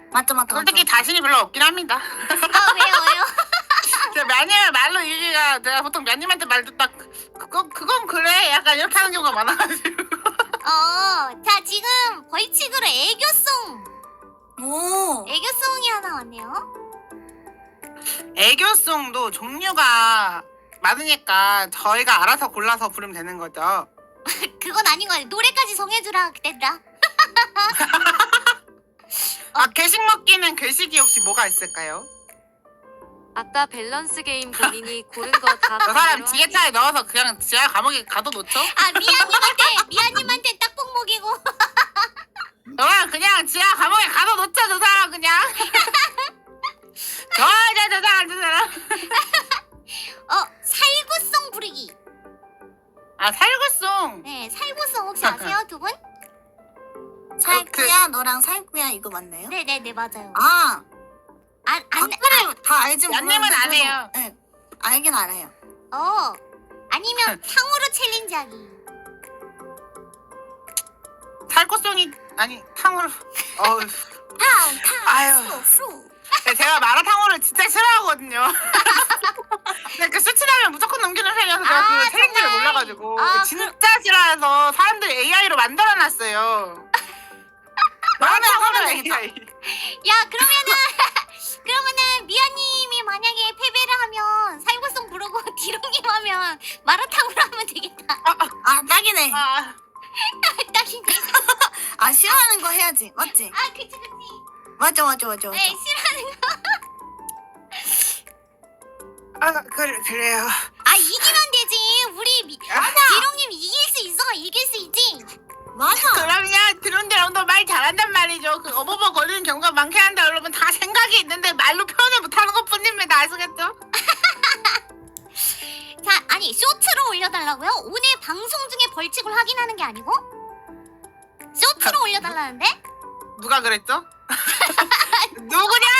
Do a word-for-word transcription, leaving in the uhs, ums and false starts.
맞죠, 맞죠. 솔직히 맞죠. 자신이 별로 없긴 합니다. 아, 왜요, 왜요? 제가 면님을 말로 이기가 내가 보통 면님한테 말 듣다 그건 그건 그래 약간 이렇게 하는 경우가 많아가지고. 어, 자, 지금 벌칙으로 애교송. 오. 애교송이 하나 왔네요. 애교송도 종류가 많으니까 저희가 알아서 골라서 부르면 되는 거죠. 그건 아닌 거 같아. 노래까지 정해주라, 그랬다. 아, 괴식 먹기는 괴식이 혹시 뭐가 있을까요? 아까 밸런스 게임 본인이 고른 거다 저 사람 지게차에 넣어서 그냥 지하 감옥에 가둬 놓죠? 아, 미아님한테, 미아님한테 딱복 먹이고. 저 사람 그냥 지하 감옥에 가둬 놓죠, 저 사람 그냥. 저, 저, 저 사람, 저 사람. 어, 살구송 부르기. 아, 살구송. 네, 살구송 혹시 아세요, 두 분? 살구야 너랑 살구야 이거 맞나요? 네네네, 맞아요. 아. 안, 안, 악플을 다 알진 연님은 모르는데 안 그래도- 해요. 네, 알긴 알아요. 어, 아니면 탕후루 챌린지 하기. 살구송이, 아니, 탕후루. 어우. 탕, 탕, 아유. 수, 수. 네, 제가 마라탕후를 진짜 싫어하거든요. 근데 그 수치라면 무조건 넘기는 편이어서 제가 아, 그 챌린지를 정말? 몰라가지고 아, 진짜 싫어해서 사람들이 에이아이로 만들어놨어요. 마라탕후를 되겠다. 에이아이. 야, 그러면은, 그러면은, 미아님이 만약에 패배를 하면, 살구송 부르고, 디롱님 하면, 마라탕으로 하면 되겠다. 아 딱이네. 아, 딱이네. 아 싫어하는 거 해야지. 맞지? 아, 그치, 그치. 맞죠, 맞죠, 맞죠. 네, 싫어하는 거. 아 그래, 그래요. 아, 이기면 되지. 우리, 미, 디롱님 이길 수 있어. 이길 수 있지. 맞아. 그럼요. 드론들 형도 말 잘한단 말이죠. 그 어버버 걸리는 경우가 많긴 한데 여러분 다 생각이 있는데 말로 표현을 못하는 것뿐입니다. 아시겠죠? 자, 아니, 쇼트로 올려달라고요? 오늘 방송 중에 벌칙을 확인하는 게 아니고? 쇼트로 올려달라는데? 누가 그랬죠? 누구냐?